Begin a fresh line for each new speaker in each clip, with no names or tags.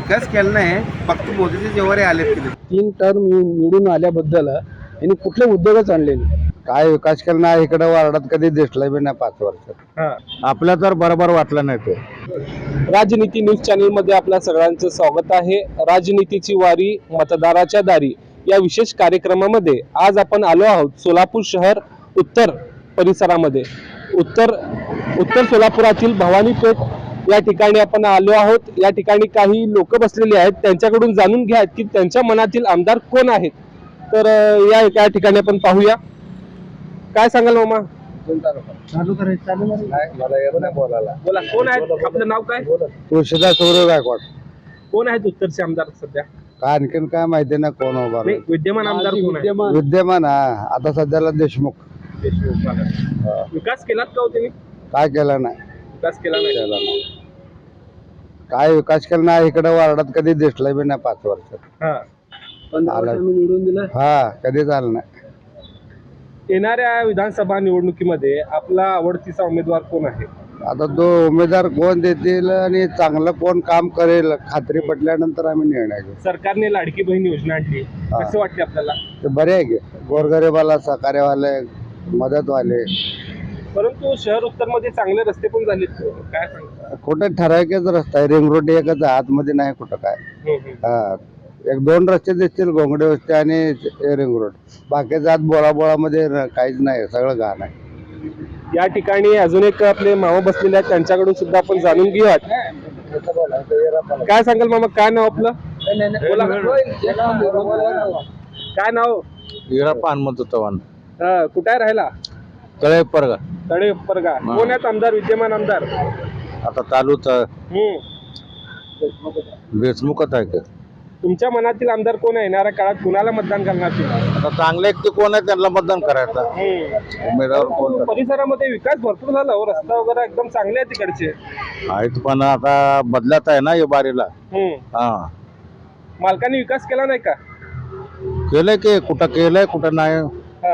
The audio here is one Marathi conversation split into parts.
विकास केला नाही, फक्त मोदीचे जेव्हा आलेत की
3 टर्म निवडून आल्याबद्दल यांनी कुठले उद्योगच आणले नाही.
काय विकास केला नाही इकडे वार्डात कधी दिसला बी नाही 5 वर्षात. आपल्या तर बरोबर वाटलं नाही ते.
राजनीती न्यूज चॅनल मध्ये आपल्या सगळ्यांचं स्वागत आहे. राजनीतीची वारी मतदाराच्या दारी या विशेष कार्यक्रमामध्ये आज आपण आलो आहोत सोलापूर शहर उत्तर परिसरामध्ये. उत्तर सोलापुरातील भवानी पेठ या ठिकाणी आपण आलो आहोत. या ठिकाणी काही लोक बसलेले आहेत, त्यांच्याकडून जाणून घ्या की त्यांच्या मनातील आमदार कोण आहेत. तर या ठिकाणी आपण पाहूया. काय सांगाल मामा?
बोलायला
बोला, कोण आहेत? आपलं नाव काय?
तुळशीदास सूर्य गायकवाड.
कोण आहेत उत्तरचे आमदार सध्या?
काय आणखीन काय माहिती ना कोण उभा
नाही, विद्यमान आमदार कोण आहे?
विद्यमान आता सध्याला देशमुख.
विकास केलात का हो त्यांनी?
काय केलं नाही.
विकास केला नाही.
काय विकास केला नाही इकडे वार्डात कधी दिसला बी नाही 5 वर्षात.
हा, 15 वर्षांनी निवडून दिलं.
हा कधी झालं नाही.
येणाऱ्या विधानसभा निवडणुकीमध्ये आपला आवडतीचा उमेदवार कोण आहे?
आता तो उमेदवार कोण देतील आणि चांगलं कोण काम करेल खात्री पटल्यानंतर आम्ही निर्णय घेऊ.
सरकारने लाडकी बहीण योजना आणली, कसं वाटते आपल्याला?
ते बरे आहे की गोरगरीबाला सहकार्यवाले मदतवाले.
परंतु शहर उत्तर मध्ये चांगले रस्ते पण झाले, काय सांगता?
कुठे ठराविकच रस्ता आहे, रिंग रोड एकच आहे, आतमध्ये नाही कुठं काय. हा 1-2 रस्ते दिसतील, घोंगडे वस्ते आणि रिंग रोड. बाकीचं आत बोळामध्ये काहीच नाही, सगळं घाण आहे.
या ठिकाणी अजून एक आपले मामा बसलेले आहेत, त्यांच्याकडून सुद्धा आपण जाणून घेऊयात. काय सांगाल मामा, काय नाव आपलं? बोला. काय नाव?
वीरप्पा हनुमंत चव्हाण.
कुठे राहिला?
तळे परगा.
तळे परगा. कोण आहेत आमदार, विद्यमान आमदार?
आता चालूच देशमुखच आहे का?
तुमच्या मनातील आमदार कोण आहे? येणाऱ्या काळात कुणाला मतदान करणार तुम्ही?
आता चांगले व्यक्ती कोण आहे त्यांना मतदान करायचं. उमेदवार कोण
परिसरामध्ये विकास भरपूर झाला हो, रस्ता वगैरे एकदम चांगले आहेत तिकडचे.
आहेत पण आता बदलत आहे ना या बारीला. हा
मालकांनी विकास केला नाही का?
केलंय की कुठं केलंय कुठं नाही.
हा.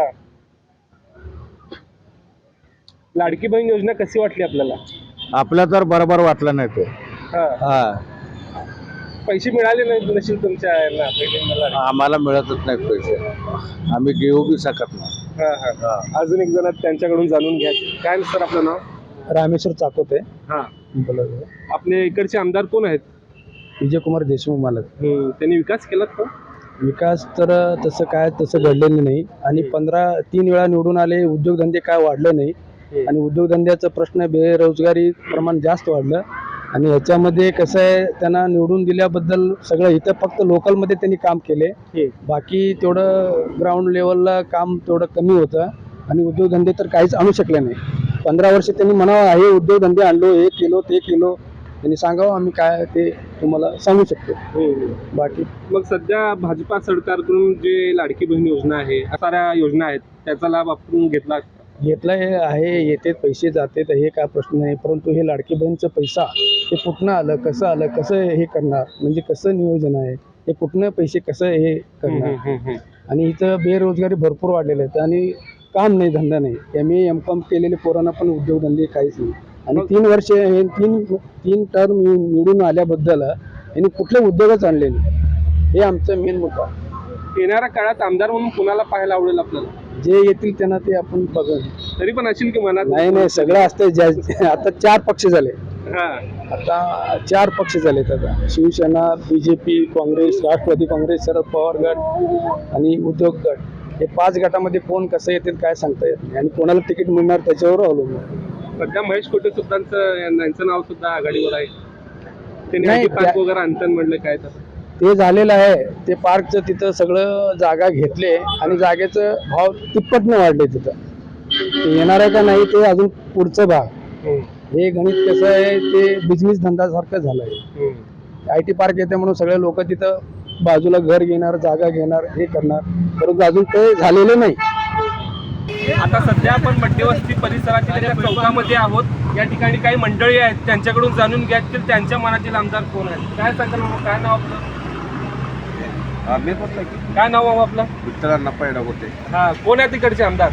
लाडकी बहीण योजना कशी वाटली आपल्याला?
आपल्या तर बरोबर वाटलं नाही ते.
हा. पैसे मिळाले नाही नशील तुमच्या यांना बहिणींना?
आम्हाला मिळतच नाहीत पैसे, आम्ही घेऊ बी शकत नाही.
अजून एक जण त्यांच्याकडून जाणून घ्या. काय सर आपलं नाव?
रामेश्वर चाकोते.
हा, आपले इकडचे आमदार कोण आहेत?
विजयकुमार देशमुख मालक.
त्यांनी विकास केलात का?
विकास तर तसं घडलेलं नाही. आणि 3 वेळा निवडून आले, उद्योगधंदे काय वाढले नाही. आणि उद्योगधंद्याचा प्रश्न, बेरोजगारी प्रमाण जास्त वाढलं. आणि ह्याच्यामध्ये कसं आहे, त्यांना निवडून दिल्याबद्दल सगळं इथं फक्त लोकलमध्ये त्यांनी काम केले, बाकी तेवढं ग्राउंड लेवलला काम तेवढं कमी होतं. आणि उद्योगधंदे तर काहीच आणू शकले नाही. 15 वर्ष त्यांनी म्हणावं हे उद्योगधंदे आणलो, हे केलो ते केलो, त्यांनी सांगावं आम्ही काय ते तुम्हाला सांगू शकतो. बाकी
मग सध्या भाजपा सरकारकडून जे लाडकी बहीण योजना आहे, साऱ्या योजना आहेत, त्याचा लाभ आपण घेतला
आहे. येते पैसे जाते तर हे काय प्रश्न नाही. परंतु हे लाडकी बहीणचं पैसा हे कुठनं आलं, कसं हे करणार, म्हणजे कसं नियोजन आहे, हे कुठनं पैसे कसं हे करणार. आणि इथं बेरोजगारी भरपूर वाढलेले आहेत आणि काम नाही, धंदा नाही. MA M.Com केलेले पोरांना पण उद्योगधंदे काहीच नाही. आणि 3 वर्ष हे 3 टर्म निवडून आल्याबद्दल यांनी कुठले उद्योगच आणले नाही. हे आमचं मेन मुद्दा.
येणाऱ्या काळात आमदार म्हणून कुणाला पाहायला आवडेल आपल्याला?
जे येतील त्यांना ते आपण बघू.
तरी पण असेल की मनात?
नाही, सगळं असतं. आता 4 पक्ष झाले. आता 4 पक्ष झालेत. आता शिवसेना, BJP, काँग्रेस, राष्ट्रवादी काँग्रेस, शरद पवार गट आणि उद्योग गट. हे 5 गटामध्ये कोण कसं येतील काय सांगता येत नाही. आणि कोणाला तिकीट मिळणार त्याच्यावर अवलंबून.
सध्या महेश कोटे सुद्धांचं यांचं नाव सुद्धा आघाडीवर आहे. त्यांनी पार्क वगैरे आणतं म्हणलं, काय तर
ते झालेलं आहे. ते पार्कचं तिथं सगळं जागा घेतले आणि जागेचं भाव तिप्पटनं वाढले. तिथं ते येणार आहे का नाही ते अजून पुढचं भाग. हे गणित कसं आहे, ते बिझनेस धंदासारखं झालं आहे. IT पार्क येते म्हणून सगळे लोक तिथं बाजूला घर घेणार, जागा घेणार, हे करणार, परंतु अजून ते झालेलं नाही.
आता सध्या आपण मध्यवस्ती परिसरातील चौकामध्ये आहोत. या ठिकाणी काही मंडळी आहेत, त्यांच्याकडून जाणून घ्या की त्यांच्या मनातील आमदार कोण आहेत. काय सांगाल मामा, काय नाव आपलं? काय नाव मामा आपलं?
विठ्ठलांना पैडा होते.
हा, कोण आहे तिकडचे आमदार?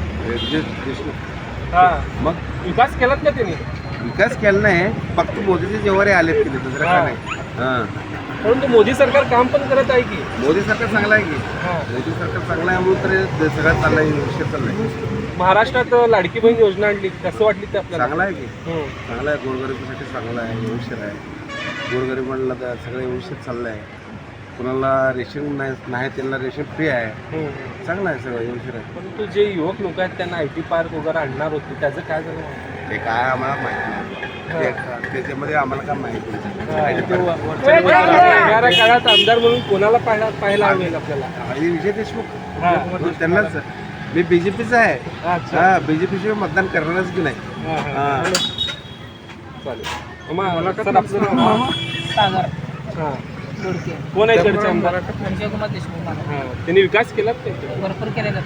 हा, मग विकास केलात का त्यांनी?
विकास केला नाही, फक्त मोदीचे जेव्हा आलेत की दुसरं काय नाही.
परंतु मोदी सरकार काम पण करत आहे की.
मोदी सरकार चांगलं आहे की
हां.
मोदी सरकार चांगलं आहे म्हणून तर सगळं चाललंय विषय चाललाय.
महाराष्ट्रात लाडकी बहीण योजना आणली, कसं वाटली ते आपल्याला?
चांगलं आहे की
हं.
चांगलं आहे, गोरगरिबासाठी चांगलं आहे, व्यवस्थित आहे. गोरगरीब म्हणलं तर सगळं व्यवस्थित चाललं आहे. कुणाला रेशन नाही त्यांना रेशन फ्री आहे.
हं.
चांगलं आहे, सगळं व्यवस्थित आहे.
परंतु जे युवक लोक आहेत त्यांना IT पार्क वगैरे आणणार होते, त्याचं काय झालं?
ते काय आम्हाला माहिती नाही त्याच्यामध्ये आम्हाला काय माहिती
हां, ते येणाऱ्या काळात आमदार म्हणून कोणाला पाहायला हवेल आपल्याला?
नाही. विजय देशमुख
हां.
त्यांनाच मी BJPचा आहे.
अच्छा.
हा BJP मतदान करणारच की नाही.
हां, हां.
हां.
चालेल. मला सर आपलं नाव?
सागर
हां.
दोडके
कोण आहे इकडचे आमदार?
संजय कुमार देशमुख मला
हां. त्यांनी विकास केला ते?
भरपूर केलेलं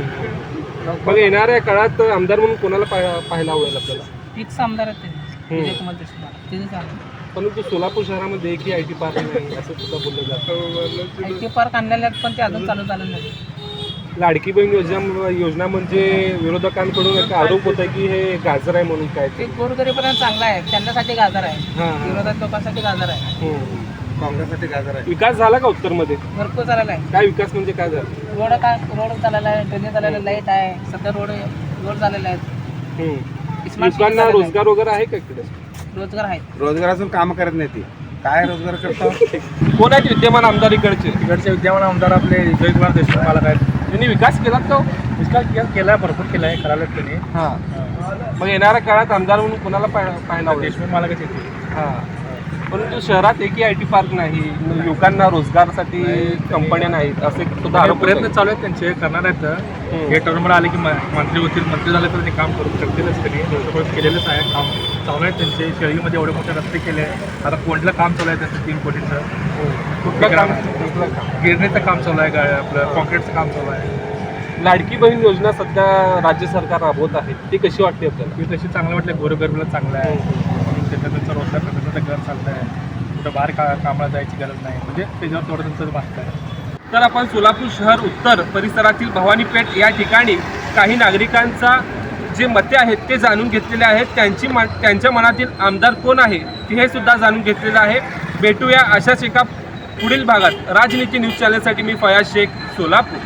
मग येणाऱ्या काळात आमदार म्हणून कोणाला पाहायला आवडेल आपल्याला?
फिक्स आमदार आहेत ते विजय कुमार देशमुख मला तिथे चालू
परंतु सोलापूर शहरामध्ये एकही IT पार्क नाही असं सुद्धा बोललं जातं.
IT पार्क आणलेले आहेत पण ते अजून चालू झालं नाही.
लाडकी बहीण योजना म्हणजे विरोधकांकडून एक आरोप होता की हे गाजर आहे म्हणून काय
ते गोरगरीबांना चांगलं आहे, त्यांच्यासाठी गाजर आहे,
हां.
विरोधात लोकांसाठी गाजर आहे.
काँग्रेससाठी गाजर आहे.
विकास झाला का उत्तरमध्ये?
भरपूर झालेला आहे.
काय विकास म्हणजे काय झालं?
रोड झालेला आहे, ड्रेनेज झालेला, लाईट आहे, सध्या रोड झालेले आहेत. स्मार्ट सिटी
युवकांना
झालेलं आहे.
रोजगार वगैरे आहे का इकडे?
रोजगार आहेत.
रोजगारातून काम करत नाही ती काय रोजगार करतो.
कोण आहेत विद्यमान आमदार इकडचे?
इकडचे विद्यमान आमदार आपले विजय कुमार देशमुख मालक आहेत.
त्यांनी विकास केला का?
विकास केला, भरपूर केला आहे, करायला त्यांनी.
हां. मग येणाऱ्या काळात आमदार म्हणून कोणाला पाहायला आवडेल?
देशमुख मालकच येते.
हां. परंतु शहरात एकही IT पार्क नाही, युवकांना रोजगारासाठी कंपन्या नाहीत असे सुद्धा आरोप
प्रयत्न
होत
चालू आहेत त्यांचे, करणार आहेत. हे टर्मला आले की मंत्री होतील, मंत्री झाले तर ते काम करू शकतीलच. त्यांनी सगळं केलेलंच आहे, काम चालू आहे त्यांचे. शेळीमध्ये एवढे मोठे रस्ते केले आहे. आता कोणलं काम चालू आहे त्यांचं 3 कोटीचं.
कुठलं काम?
गिरणीचं काम चालू आहे, आपलं कॉन्क्रीटचं काम चालू आहे.
लाडकी बहीण योजना सध्या राज्य सरकार राबवत आहे, ती कशी वाटते आपल्याला?
ती तशी चांगलं वाटलं, गोरगरिबाला चांगलं आहे. त्यांचं रोजगार त्यांचं घर चालतं आहे, कुठं बाहेर कामाला जायची गरज नाही, म्हणजे त्याच्यावर थोडं त्यांचं वाटतं आहे.
तर आपण सोलापूर शहर उत्तर परिसरातील भवानीपेठ या ठिकाणी काही नागरिकांचा जे मते आहेत ते जाणून घेतलेले आहेत. त्यांच्या मनातील आमदार कोण आहे हे सुद्धा जाणून घेतलेलं आहे. भेटूया अशाच एका पुढील भागात. राजनीती न्यूज चॅनलसाठी मी फयाज शेख, सोलापूर.